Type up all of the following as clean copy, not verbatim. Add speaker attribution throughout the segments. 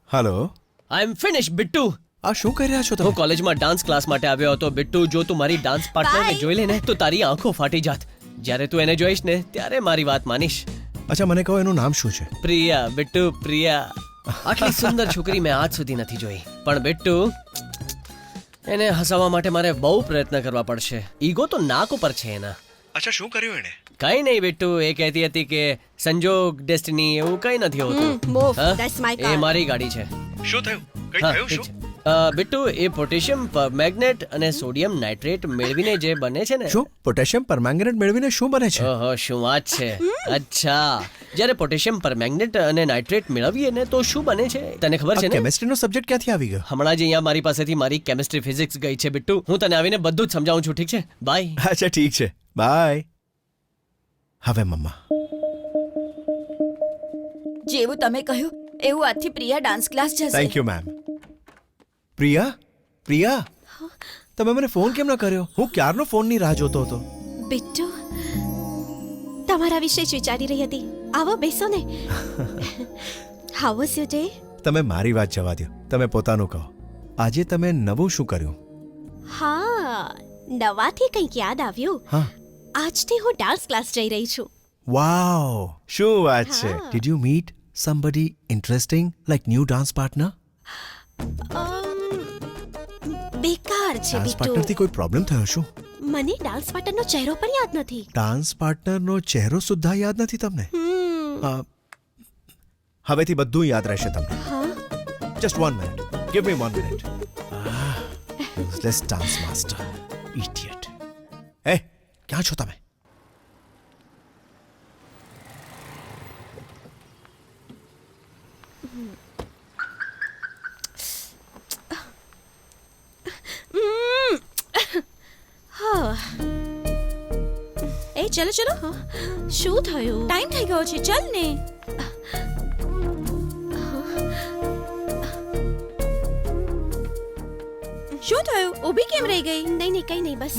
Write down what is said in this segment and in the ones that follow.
Speaker 1: Hello.
Speaker 2: I am finish Bittu.
Speaker 1: આ શું કરી રહ્યા છો
Speaker 2: હું
Speaker 1: તમે?
Speaker 2: કોલેજમાં ડાન્સ ક્લાસ માટે આવ્યો હતો બિટ્ટુ. જો તું મારી ડાન્સ પાર્ટનરને
Speaker 3: Bye.
Speaker 2: જોઈ લે ને તો તારી આંખો ફાટી જાત. જ્યારે તું એને જોઈશ ને ત્યારે મારી વાત માનીશ.
Speaker 1: અચ્છા, મને કહો એનું નામ શું છે?
Speaker 2: પ્રિયા બિટ્ટુ, પ્રિયા. આટલી સુંદર છોકરી મેં આજ સુધી નથી જોઈ. પણ બિટ્ટુ, એને હસાવવા માટે મારે બહુ પ્રયત્ન કરવા પડશે. ઈગો તો નાક ઉપર છે એના.
Speaker 1: અચ્છા, શું કર્યું એણે?
Speaker 2: કઈ નહીં બિટ્ટુ, એ કહેતી હતી કે સંજોગ, ડેસ્ટિની એવું કઈ નથી હોતું.
Speaker 3: move.
Speaker 2: હા?
Speaker 3: That's my
Speaker 2: A
Speaker 3: car.
Speaker 2: મારી ગાડી છે.
Speaker 1: શું થયું? કઈ
Speaker 2: હા,
Speaker 1: થયું
Speaker 2: ઠીક
Speaker 1: શું?
Speaker 2: છે. બિટ્ટુ, એ પોટેશિયમ પરમેંગનેટ અને સોડિયમ નાઇટ્રેટ મેળવીને જે બને છે ને.
Speaker 1: શું પોટેશિયમ પરમેંગનેટ મેળવીને શું બને છે?
Speaker 2: ઓહો, શું વાત છે. અચ્છા, જ્યારે પોટેશિયમ પરમેંગનેટ અને નાઇટ્રેટ મેળવીએ ને તો શું બને છે તને ખબર છે ને?
Speaker 1: કેમિસ્ટ્રીનો સબ્જેક્ટ ક્યાંથી આવી ગયો?
Speaker 2: હમણાં જ અહીંયા મારી પાસેથી મારી કેમિસ્ટ્રી ફિઝિક્સ ગઈ છે બિટ્ટુ. હું તને આવીને બધું જ સમજાવું છું, ઠીક છે? બાય.
Speaker 1: અચ્છા, ઠીક છે, બાય. હવે મમ્મા,
Speaker 3: જેવું તમે કહ્યું એવું આજથી પ્રિયા ડાન્સ ક્લાસ જશે.
Speaker 1: Thank you ma'am. Priya, Priya, તમે મને ફોન કેમ ન કર્યો? હું ક્યારનો ફોનની રાહ જોતો હતો.
Speaker 3: બિટ્ટુ, તમારા વિશે જ વિચારી રહી હતી. આવો બેસો ને. How was your day?
Speaker 1: તમે મારી વાત જવા દો, તમે પોતાનું કહો. આજે તમે નવું શું કર્યું?
Speaker 3: હા, નવાથી કંઈક યાદ આવ્યું.
Speaker 1: હા.
Speaker 3: આજથી હું ડાન્સ ક્લાસ જઈ રહી છું.
Speaker 1: વાવ, શું વાત છે.
Speaker 3: હા.
Speaker 1: Did you meet somebody interesting like new dance partner?
Speaker 3: બેકાર છે
Speaker 1: ડાન્સ
Speaker 3: બિટ્ટુ.
Speaker 1: પાર્ટનરથી કોઈ પ્રોબ્લેમ થયો શું?
Speaker 3: મને ડાન્સ પાર્ટનરનો ચહેરો પણ યાદ નથી.
Speaker 1: ડાન્સ પાર્ટનરનો ચહેરો સુદ્ધા યાદ નથી તમને? અ, હવેથી બધું યાદ રહેશે તમને.
Speaker 3: હા,
Speaker 1: just 1 minute, give me 1 minute. Useless dance master, idiot. એ, ક્યાં છો તમે?
Speaker 3: એ ચલો ચલો. શું થયું? ટાઈમ થઈ ગયો છે, ચલ ને. શું થયું? ઊભી કેમ રહી ગઈ? નહીં નહીં, કઈ નહીં, બસ.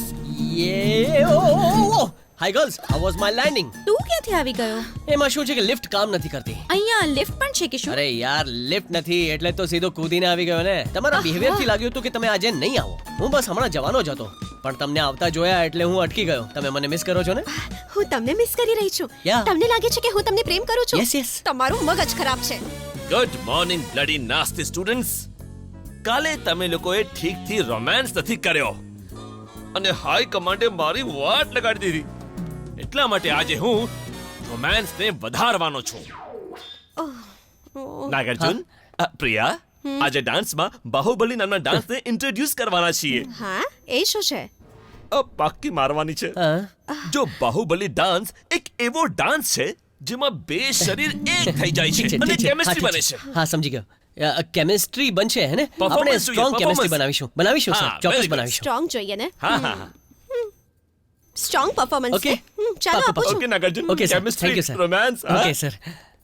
Speaker 2: યે hi girls, how was my landing?
Speaker 3: તું ક્યાંથી આવી ગયો?
Speaker 2: એમાં શું છે કે લિફ્ટ કામ નથી કરતી.
Speaker 3: અહીંયા લિફ્ટ પણ છે કે શું?
Speaker 2: અરે યાર, લિફ્ટ નથી એટલે તો સીધો કૂદીને આવી ગયો ને. તમારા બિહેવિયર થી લાગ્યું હતું કે તમે આજે નહીં આવો. હું બસ હમણાં જવાનો જ હતો, પણ તમને આવતા જોયા એટલે હું અટકી ગયો. તમે મને મિસ કરો છો ને?
Speaker 3: હું તમને મિસ કરી રહી છું.
Speaker 2: Yeah.
Speaker 3: તમને લાગે છે કે હું તમને પ્રેમ કરું છું?
Speaker 2: Yes, yes.
Speaker 3: તમારું મગજ ખરાબ છે.
Speaker 4: Good morning bloody nasty students. કાલે તમે લોકોએ ઠીકથી રોમાન્સ નથી કર્યો અને હાઈ કમાન્ડે મારી વાટ લગાડી દીધી. એટલા માટે આજે હું રોમાન્સને વધારવાનો છું. નાગાર્જુન, પ્રિયા, આજે ડાન્સમાં બાહુબલી નામના ડાન્સને ઇન્ટ્રોડ્યુસ કરવાના છીએ.
Speaker 3: હા, એ શું છે?
Speaker 4: પાક્કી મારવાની છે.
Speaker 2: હા.
Speaker 4: જો બાહુબલી ડાન્સ એક એવો ડાન્સ છે જેમાં બે શરીર એક થઈ જાય
Speaker 2: ઠીક
Speaker 4: છે
Speaker 2: છે,
Speaker 4: અને
Speaker 2: ઠીક છે.
Speaker 4: કેમિસ્ટ્રી
Speaker 2: હા,
Speaker 4: બને
Speaker 2: ઠીક
Speaker 4: છે.
Speaker 2: હા, સમજી ગયો. કેમિસ્ટ્રી બનશે હે ને? આપણે
Speaker 4: Performance જોઈએ,
Speaker 2: સ્ટ્રોંગ કેમિસ્ટ્રી
Speaker 4: performance.
Speaker 2: બનાવીશું
Speaker 4: હા,
Speaker 2: સર, ચોક્કસ
Speaker 4: very good.
Speaker 2: બનાવીશું.
Speaker 3: સ્ટ્રોંગ જોઈએ ને?
Speaker 4: હા હા હા.
Speaker 3: Strong performance.
Speaker 2: Okay.
Speaker 3: ચાલો
Speaker 2: પાક્કું,
Speaker 3: આપું છું.
Speaker 4: Okay Nagarjun.
Speaker 2: Okay sir,
Speaker 4: Chemistry,
Speaker 2: thank you sir.
Speaker 4: romance, હા?
Speaker 2: Okay sir.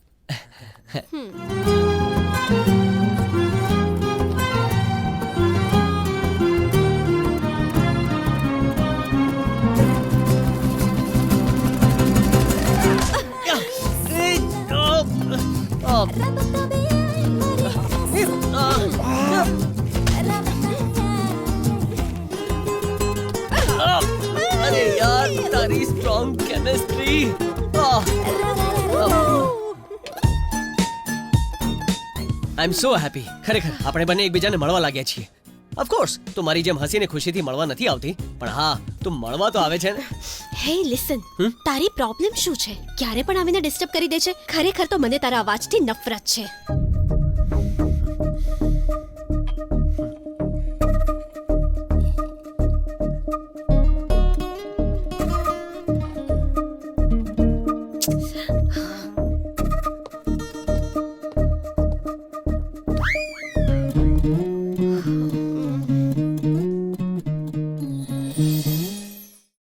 Speaker 2: અરે યાર, તારી strong chemistry. I am so happy. ખરેખર આપણે બંને એકબીજાને મળવા લાગ્યા છીએ. ઓફકોર્સ તું મારી જેમ હસીને ખુશીથી મળવા નથી આવતી, પણ હા, તું મળવા તો આવે છે ને.
Speaker 3: હે લિસન, તારી પ્રોબ્લેમ શું છે? ક્યારે પણ આવીને ડિસ્ટર્બ કરી દે છે. ખરેખર તો મને તારા અવાજથી નફરત છે.